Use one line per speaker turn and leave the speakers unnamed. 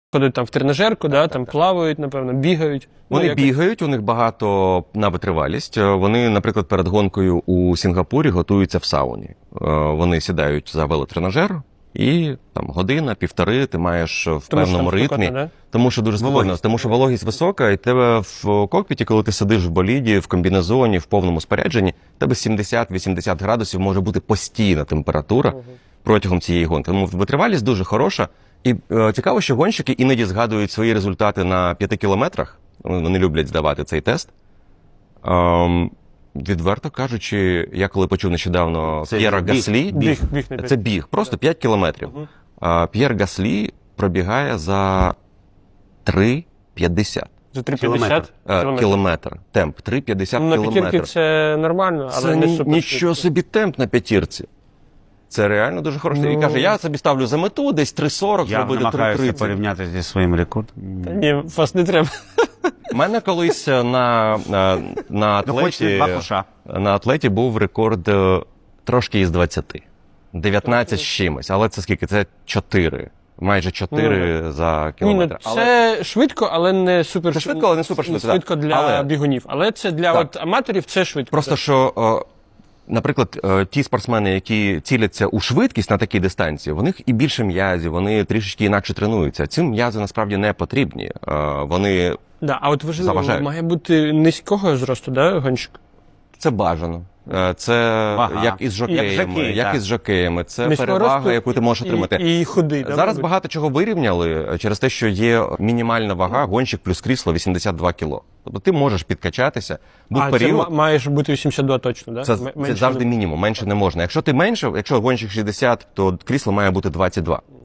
ходять там в тренажерку, да, там плавають, напевно, бігають.
Вони бігають, у них багато на витривалість. Вони, наприклад, перед гонкою у Сінгапурі готуються в сауні. Вони сідають за велотренажер, і там година-півтори ти маєш в певному ритмі.
Да?
Тому що дуже спокійно, тому що вологість висока, і тебе в кокпіті, коли ти сидиш в боліді, в комбінезоні, в повному спорядженні, тебе 70-80 градусів може бути постійна температура протягом цієї гонки. Тому витривалість дуже хороша. І цікаво, що гонщики іноді згадують свої результати на 5 кілометрах. Вони люблять здавати цей тест. Відверто кажучи, я коли почув нещодавно П'єра Гаслі, це біг, просто 5 кілометрів. П'єр Гаслі пробігає за 3,50.
За 3,50?
Кілометр. Темп 3,50 кілометр.
На п'ятірці це нормально, але
це
не супер.
Нічого собі темп на п'ятірці. Це реально дуже хороше. І каже, я собі ставлю за мету десь 3,40,
я
зробити 3,30.
намагаюся порівняти зі своїм рекордом.
Та ні, вас не треба.
У мене колись на атлеті був рекорд трошки із 20. 19 з чимось. Але це скільки? Це 4. Майже 4 за кілометр.
Ні, це швидко, але не супер.
Це швидко, але не супер швидко.
Швидко для бігунів. Але це для аматорів це швидко.
Просто що, наприклад, ті спортсмени, які ціляться у швидкість на такій дистанції, у них і більше м'язів, вони трішечки інакше тренуються. Цим м'язи насправді не потрібні. Вони
а от важливо, має бути низького зросту, да, гонщик?
Це бажано. Це як із жокеями. Це перевага, яку ти можеш отримати.
І худий.
Зараз багато чого вирівняли через те, що є мінімальна вага, гонщик плюс крісло 82 кіло. Тобто ти можеш підкачатися.
Це маєш бути 82 точно, да?
Це завжди мінімум, менше не можна. Якщо ти менше, якщо гонщик 60, то крісло має бути 22.